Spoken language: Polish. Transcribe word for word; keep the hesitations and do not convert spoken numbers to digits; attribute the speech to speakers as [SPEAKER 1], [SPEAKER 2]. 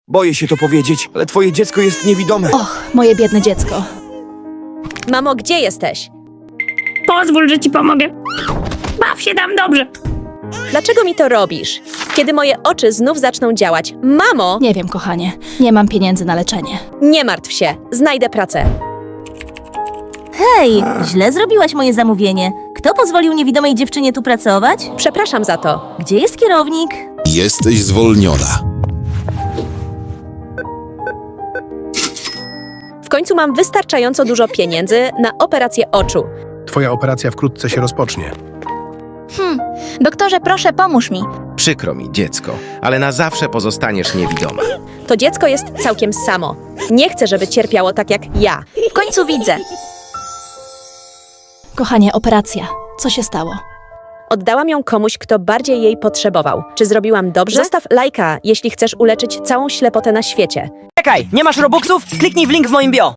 [SPEAKER 1] Boję się to powiedzieć, ale twoje dziecko jest niewidome.
[SPEAKER 2] Och, moje biedne dziecko.
[SPEAKER 3] Mamo, gdzie jesteś?
[SPEAKER 4] Pozwól, że ci pomogę. Baw się tam dobrze.
[SPEAKER 3] Dlaczego mi to robisz? Kiedy moje oczy znów zaczną działać. Mamo,
[SPEAKER 2] Nie wiem, kochanie. Nie mam pieniędzy na leczenie.
[SPEAKER 3] nie martw się. Znajdę pracę.
[SPEAKER 5] Hej, źle zrobiłaś moje zamówienie. Kto pozwolił niewidomej dziewczynie tu pracować?
[SPEAKER 3] Przepraszam za to.
[SPEAKER 5] Gdzie jest kierownik?
[SPEAKER 6] Jesteś zwolniona.
[SPEAKER 3] W końcu mam wystarczająco dużo pieniędzy na operację oczu.
[SPEAKER 7] Twoja operacja wkrótce się rozpocznie.
[SPEAKER 8] Doktorze, proszę, pomóż mi.
[SPEAKER 9] Przykro mi, dziecko, ale na zawsze pozostaniesz niewidoma.
[SPEAKER 3] To dziecko jest całkiem samo. Nie chcę, żeby cierpiało tak jak ja.
[SPEAKER 8] W końcu widzę.
[SPEAKER 2] Kochanie, operacja. Co się stało?
[SPEAKER 3] Oddałam ją komuś, kto bardziej jej potrzebował. Czy zrobiłam dobrze? Zostaw lajka, jeśli chcesz uleczyć całą ślepotę na świecie.
[SPEAKER 10] Czekaj, nie masz robuxów? Kliknij w link w moim bio.